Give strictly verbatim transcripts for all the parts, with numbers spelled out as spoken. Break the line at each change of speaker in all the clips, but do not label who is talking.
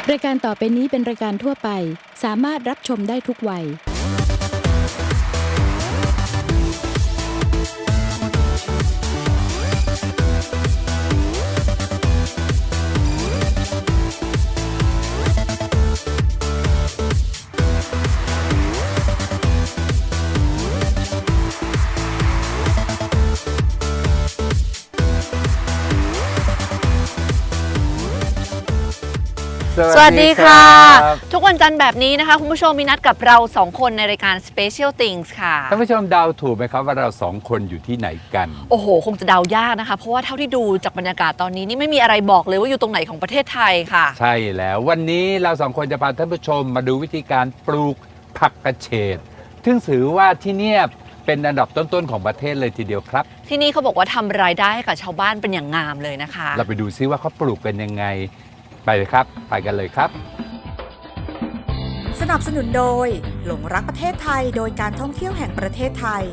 รายการต่อไปนี้เป็นรายการทั่วไปสามารถรับชมได้ทุกวัย
สวัสดีค่ะทุกวันจันทร์แบบนี้นะคะคุณผู้ชมมีนัดกับเราสองคนในรายการ Special Things ค่ะ
ท่านผู้ชมเดาถูกไหมครับว่าเราสองคนอยู่ที่ไหนกัน
โอ้โหคงจะเดายากนะคะเพราะว่าเท่าที่ดูจากบรรยากาศตอนนี้นี่ไม่มีอะไรบอกเลยว่าอยู่ตรงไหนของประเทศไทยค่ะ
ใช่แล้ววันนี้เราสองคนจะพาท่านผู้ชมมาดูวิธีการปลูกผักกระเฉดซึ่งถือว่าที่นี่เป็นอันดับต้นๆของประเทศเลยทีเดียวครับ
ที่นี่เขาบอกว่าทำรายได้ให้กับชาวบ้านเป็นอย่างงามเลยนะคะ
เราไปดูซิว่าเขาปลูกกันยังไงไปเลยครับไปกันเลยครับ
สนับสนุนโดยหลงรักประเทศไทยโดยการท่องเที่ยวแห่งประเทศไทย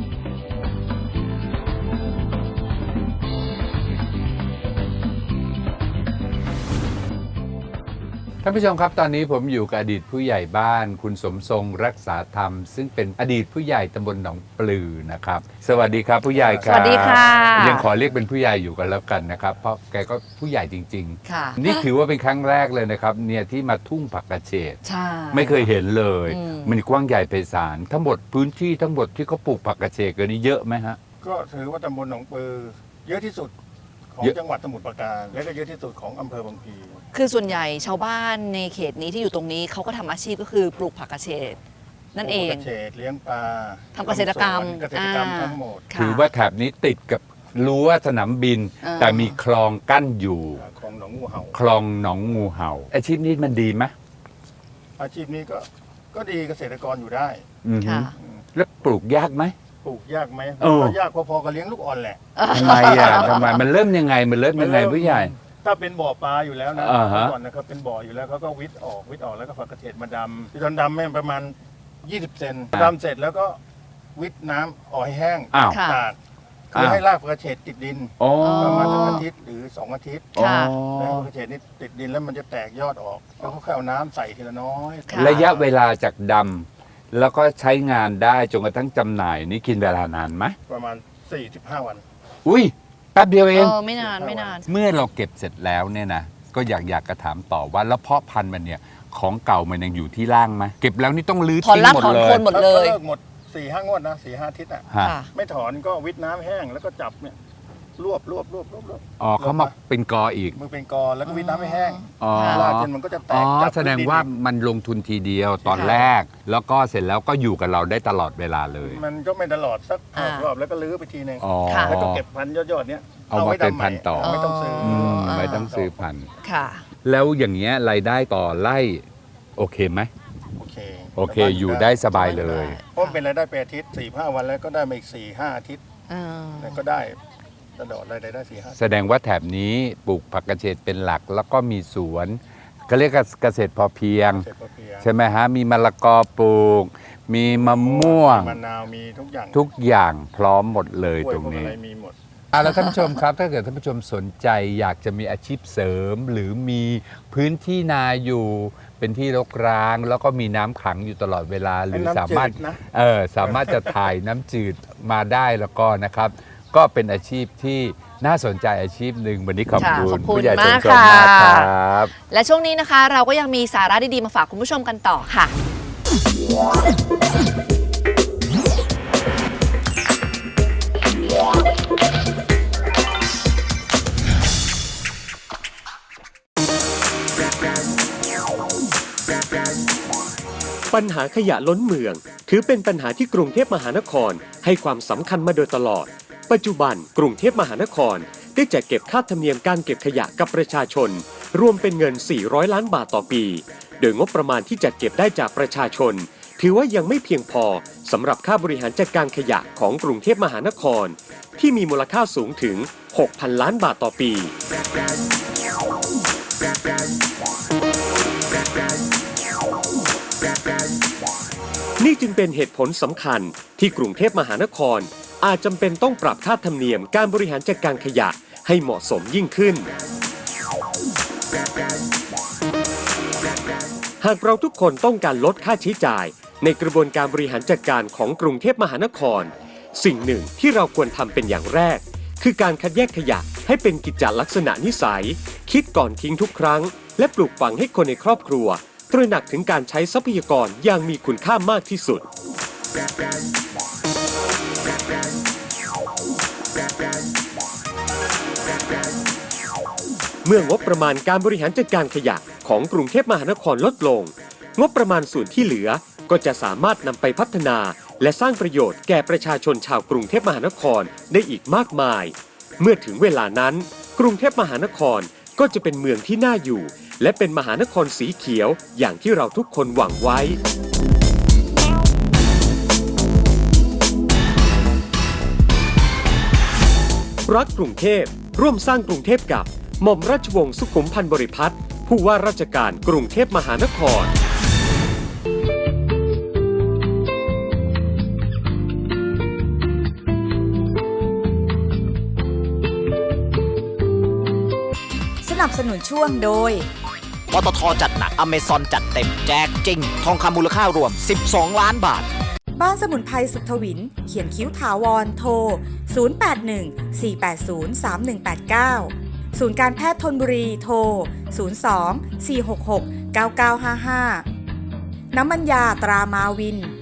ท่านผู้ชมครับตอนนี้ผมอยู่กับอดีตผู้ใหญ่บ้านคุณสมทรงรักษาธรรมซึ่งเป็นอดีตผู้ใหญ่ตำบลหนองปลือนะครับสวัสดีครับผู้ใหญ่ครับ
สวัสดีค่ะ
ยังขอเรียกเป็นผู้ใหญ่อยู่กันแล้วกันนะครับเพราะแกก็ผู้ใหญ่จริงๆ
ค่ะ
นี่ถือว่าเป็นครั้งแรกเลยนะครับเนี่ยที่มาทุ่งผักกระเฉด
ใช่
ไม่เคยเห็นเลยมันกว้างใหญ่ไพศาลทั้งหมดพื้นที่ทั้งหมดที่เขาปลูกผักกระเฉดกันนี่เยอะไหมฮะ
ก็ถือว่าตำบลหนองปลือเยอะที่สุดของจังหวัดสมุทรปราการและก็เยอะที่สุดของอำเภอบางพลี
คือส่วนใหญ่ชาวบ้านในเขตนี้ที่อยู่ตรงนี้เขาก็ทำอาชีพก็คือปลูกผักกระเฉดนั่นเอง
ปลูกกระเฉดเลี้ยงปลา
ทำเกษตรกรรม
เกษตรกรรมทั้งหมด
ถือว่าแถบนี้ติดกับรั้วสนามบินแต่มีคลองกั้นอยู่
คลองหนองงูเห่า
คลองหนองงูเห่าอาชีพนี้มันดีไหม
อาชีพนี้ก็ก็ดีเกษตรกรอยู่ได้
แล้วปลูกยากไหม
ปลูกยากไหมก็ยากพอๆกับเลี้ยงลูกอ่อนแหละ
ทำไมอ่ะทำไมมันเริ่มยังไงมันเริ่มยังไงผู้ใหญ่
ถ้าเป็นบ่อปลาอยู่แล้วนะก่อนนะครับเป็นบ่ออยู่แล้วเขาก็วิทย์ออกวิทย์ออกแล้วก็ผักกระเฉดมาดำที่ตอนดำแม่ประมาณยี่สิบเซนดำเสร็จแล้วก็วิทย์น้ำออกให้แห้งตากคือให้รากผักกระเฉดติดดินประมาณอาทิตย์หรือสองอาทิตย์แล้วผักกระเฉดนี่ติดดินแล้วมันจะแตกยอดออกแล้วก็ค่อยเอาน้ำใส่ทีละน้อย
ระยะเวลาจากดำแล้วก็ใช้งานได้จนกระทั่งจำหน่ายนี่กินเวลานานไหม
ประมาณสี่สิบห้าวัน
อุ้ยแป๊บเดียวเอง
เออไม่นานไม่นาน
เมื่อเราเก็บเสร็จแล้วเนี่ยนะก็อยากอยากกระถามต่อว่าแล้วเพาะพันธุ์มันเนี่ยของเก่ามันยังอยู่ที่ร่างไหมเก็บแล้วนี่ต้องรื้อทิ้งหมดเลย
ถอนหมดเลย
เลิกหมดสี่ห้างวดนะสี่ห้าอาทิตย์อ่ะไม่ถอนก็วิทน้ำแห้งแล้วก็จับเนี่ยรวบรวบรวบรวบรวบ
อ๋อเขามาเป็นกออีก
มันเป็นกอแล้วก็วิทน้ำให้แห้ง
อ๋อ
ลากจนมันก็จะแตก
อ๋อแสดงว่ามันลงทุนทีเดียวตอนแรกแล้วก็เสร็จแล้วก็อยู่กับเราได้ตลอดเวลาเลย
มันก็ไม่ตลอดสักรอบแล้วก็ลื้อไปทีนึงแล้วก็เก็บพันธุ์ยอดๆเนี้ย
เอามาเป็นพันธุ์ต่อ
ไม่ต้องซื้อ
ไม่ต้องซื้อพันธุ์
ค่ะ
แล้วอย่างเงี้ยรายได้ต่อไร่โอเคไหม
โอเค
โอเคอยู่ได้สบายเลย
เพราะเป็นรายได้เป็นอาทิตย์สี่ห้าวันแล้วก็ได้มาอีกสี่ห้าอาทิตย์แล้วก็ได้ตลอดรายได้ได้สี่ห้า
แสดงว่าแถบนี้ปลูกผักกระเฉดเป็นหลักแล้วก็มีสวนเขาเรียกเกษตรพอเพียงใช่ไหมฮะมีมะละกอปลูกมีมะม่วง
มะนาวมีทุกอย่าง
ทุกอย่างพร้อมหมดเลยตรงนี้
มีหมด
อ่ะแล้วท่านผู้ชมครับถ้าเกิดท่านผู้ชมสนใจอยากจะมีอาชีพเสริมหรือมีพื้นที่นาอยู่เป็นที่รกร้างแล้วก็มีน้ำขังอยู่ตลอดเวลาหรือสามารถเออสามารถจะถ่ายน้ำจืดมาได้แล้วก็นะครับก็เป็นอาชีพที่น่าสนใจอาชีพหนึ่งวันนี้ขอบคุณ
ผู้ใหญ่สมทรงมากครับและช่วงนี้นะคะเราก็ยังมีสาระดีๆมาฝากคุณผู้ชมกันต่อค่ะ
ปัญหาขยะล้นเมืองถือเป็นปัญหาที่กรุงเทพมหานครให้ความสำคัญมาโดยตลอดปัจจุบันกรุงเทพมหานครได้จัดเก็บค่าธรรมเนียมการเก็บขยะกับประชาชนรวมเป็นเงินสี่ร้อยล้านบาทต่อปีโดยงบประมาณที่จัดเก็บได้จากประชาชนถือว่ายังไม่เพียงพอสำหรับค่าบริหารจัดการขยะของกรุงเทพมหานครที่มีมูลค่าสูงถึง หกพันล้านบาทต่อปีนี่จึงเป็นเหตุผลสำคัญที่กรุงเทพมหานครอาจจำเป็นต้องปรับค่าธรรมเนียมการบริหารจัดการขยะให้เหมาะสมยิ่งขึ้นหากเราทุกคนต้องการลดค่าใช้จ่ายในกระบวนการบริหารจัดการของกรุงเทพมหานครสิ่งหนึ่งที่เราควรทำเป็นอย่างแรกคือการคัดแยกขยะให้เป็นกิจลักษณะนิสัยคิดก่อนทิ้งทุกครั้งและปลูกฝังให้คนในครอบครัวตระหนักถึงการใช้ทรัพยากรอย่างมีคุณค่ามากที่สุดเมื่องบประมาณการบริหารจัดการขยะของกรุงเทพมหานครลดลงงบประมาณส่วนที่เหลือก็จะสามารถนำไปพัฒนาและสร้างประโยชน์แก่ประชาชนชาวกรุงเทพมหานครได้อีกมากมายเมื่อถึงเวลานั้นกรุงเทพมหานครก็จะเป็นเมืองที่น่าอยู่และเป็นมหานครสีเขียวอย่างที่เราทุกคนหวังไว้รักกรุงเทพร่วมสร้างกรุงเทพกับหม่อมราชวงศ์สุขุมพันธ์บริพัตรผู้ว่าราชการกรุงเทพมหานคร
สนับสนุนช่วงโดย
ปตทจัดหนักอเมซอนจัดเต็มแจกจริงทองคำมูลค่ารวมสิบสองล้านบาท
บ้านสมุนไพรสุขทวินเขียนคิ้วถาวรโทรศูนย์ แปด หนึ่ง สี่ แปด ศูนย์ สาม หนึ่ง แปด เก้าศูนย์การแพทย์ธนบุรีโทรศูนย์ สอง สี่ หก หก เก้า เก้า ห้า ห้าน้ำมันยาตรามาวิน